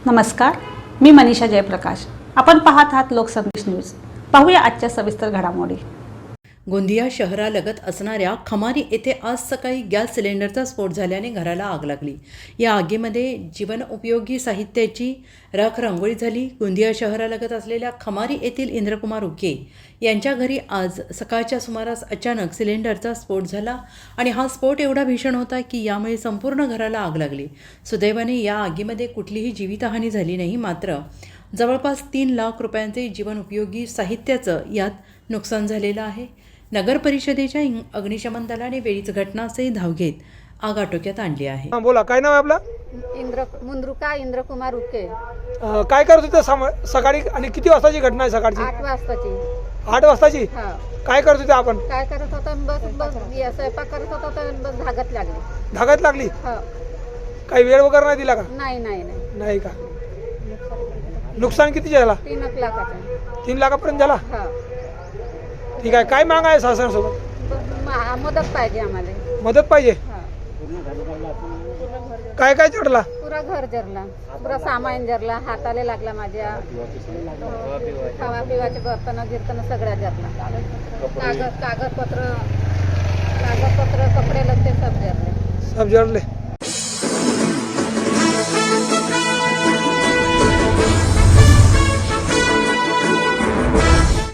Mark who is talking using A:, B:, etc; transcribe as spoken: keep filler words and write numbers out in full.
A: नमस्कार, मी मनीषा जयप्रकाश. आपण पाहत आहात लोकसंदेश न्यूज. पाहूया आजच्या सविस्तर घडामोडी.
B: गोंदिया शहरालगत असणाऱ्या खमारी येथे आज सकाळी गॅस सिलेंडरचा स्फोट झाल्याने घराला आग लागली. या आगीमध्ये जीवनोपयोगी साहित्याची राख रांगोळी झाली. गोंदिया शहरालगत असलेल्या खमारी येथील इंद्रकुमार उके यांच्या घरी आज सकाळच्या सुमारास अचानक सिलेंडरचा स्फोट झाला आणि हा स्फोट एवढा भीषण होता की यामुळे संपूर्ण घराला आग लागली. सुदैवाने या आगीमध्ये कुठलीही जीवितहानी झाली नाही. मात्र जवळपास तीन लाख रुपयांचे जीवनोपयोगी साहित्याचं यात नुकसान झालेलं आहे. नगर परिषदेच्या अग्निशमन दलाने वेळीच घटनास्थळी धाव घेत आग आटोक्यात आणली आहे.
C: हां बोला, काय नाव आहे आपलं?
D: इंद्र मुंद्रुका इंद्रकुमार उके.
C: अं, काय करत होते साम- सकाळी आणि किती वाजताची घटना आहे सकाळची?
D: आठ वाजताची.
C: आठ वाजताची.
D: हा.
C: काय करत होते आपण?
D: काय करत होता? बस बस या स्वयंपाक करत होता तर बस धागत लागली.
C: धागत लागली?
D: हा.
C: काही वेळ वगैरे नाही दिला का?
D: नाही नाही नाही
C: नाही का? नुकसान किती झाला?
D: तीन एक लाखाचा.
C: तीन लाखापर्यंत झाला.
D: हा.
C: ठीक आहे. काय माग आहे शासनासोबत?
D: बस मा- मदत पाहिजे आम्हाला.
C: मदत पाहिजे.
D: हा.
C: काय काय चढला?
D: पुरा घर जरला, पुरा सामान जरला, हाताला लागला माझ्या. खावा पिवाचे बर्तन गिरतन सगळ्या जरला. कागद कागदपत्र कागदपत्र कपडे लत्ते सब जरले.
C: सब जळले.